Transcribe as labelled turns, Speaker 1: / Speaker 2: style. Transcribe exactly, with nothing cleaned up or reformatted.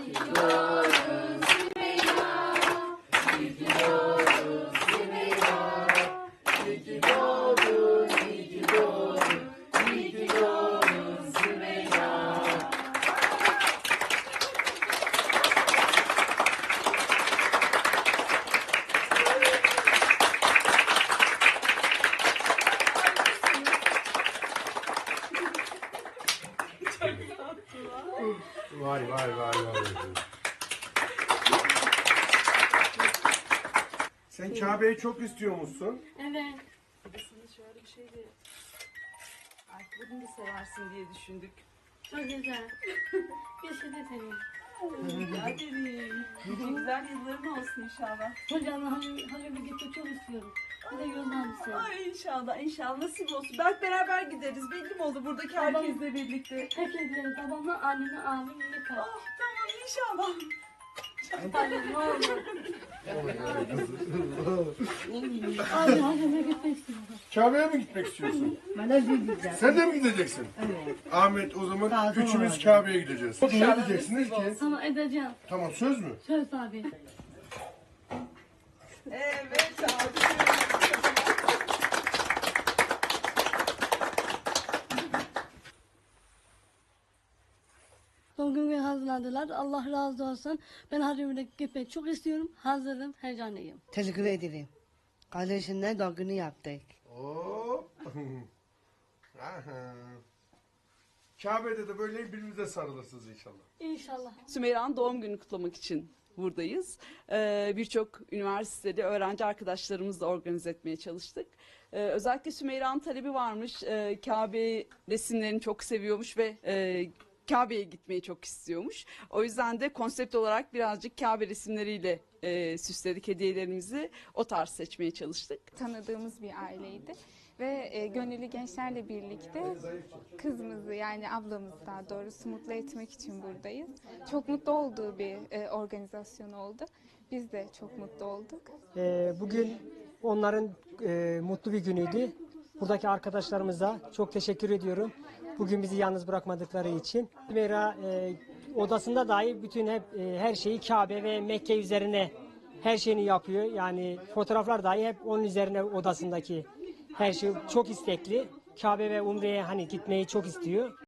Speaker 1: Vay vay vay vay. Sen Kabe'yi çok istiyor musun?
Speaker 2: Evet.
Speaker 3: Sana şöyle bir şey de ayakkabını da seversin diye düşündük.
Speaker 2: Çok güzel. Bir şey de seveyim.
Speaker 3: Rica ederim. Nice güzel yılların olsun inşallah.
Speaker 2: Hocam hacı, hacı bir gitmek çok istiyorum. Bir de yoldan bir sev.
Speaker 3: Ay inşallah inşallah nasip olsun. Belki beraber gideriz. Belli mi oldu buradaki herkesle birlikte?
Speaker 2: Herkes gidelim. Babamla, anneme, abimle kal.
Speaker 3: Oh tamam inşallah.
Speaker 2: Hadi ne olur. Abi hacıma gitmek istiyorum.
Speaker 1: Kabe'ye mi gitmek istiyorsun?
Speaker 4: Ben de gideceğim.
Speaker 1: Sen de mi gideceksin?
Speaker 4: Evet.
Speaker 1: Ahmet o zaman
Speaker 4: Lazım
Speaker 1: üçümüz
Speaker 4: olacak.
Speaker 1: Kabe'ye gideceğiz. Ne diyeceksiniz ki?
Speaker 2: Sana edeceğim.
Speaker 1: Tamam söz mü?
Speaker 2: Söz abi.
Speaker 3: Evet abi.
Speaker 2: Son gün hazırladılar. Allah razı olsun. Ben hacıma gitmek çok istiyorum. Hazırım, heyecanlıyım.
Speaker 4: Teşekkür ederim. Kardeşimle doğum günü yaptık.
Speaker 1: Hop. Aha. Kabe'de de böyle birbirimize sarılırsınız inşallah.
Speaker 2: İnşallah.
Speaker 3: Sümeyra'nın doğum günü kutlamak için buradayız. Ee, Birçok üniversitede öğrenci arkadaşlarımızla organize etmeye çalıştık. Ee, özellikle Sümeyra'nın talebi varmış. Ee, Kabe resimlerini çok seviyormuş ve e, Kabe'ye gitmeyi çok istiyormuş. O yüzden de konsept olarak birazcık Kabe resimleriyle e, süsledik hediyelerimizi. O tarz seçmeye çalıştık.
Speaker 5: Tanıdığımız bir aileydi ve e, gönüllü gençlerle birlikte kızımızı yani ablamızı daha doğrusu mutlu etmek için buradayız. Çok mutlu olduğu bir e, organizasyon oldu. Biz de çok mutlu olduk.
Speaker 6: Ee, bugün onların e, mutlu bir günüydü. Buradaki arkadaşlarımıza çok teşekkür ediyorum. Bugün bizi yalnız bırakmadıkları için. Sümeyra e, odasında dahi bütün hep e, her şeyi Kabe ve Mekke üzerine her şeyini yapıyor. Yani fotoğraflar dahi hep onun üzerine odasındaki her şey çok istekli. Kabe ve Umre'ye hani gitmeyi çok istiyor.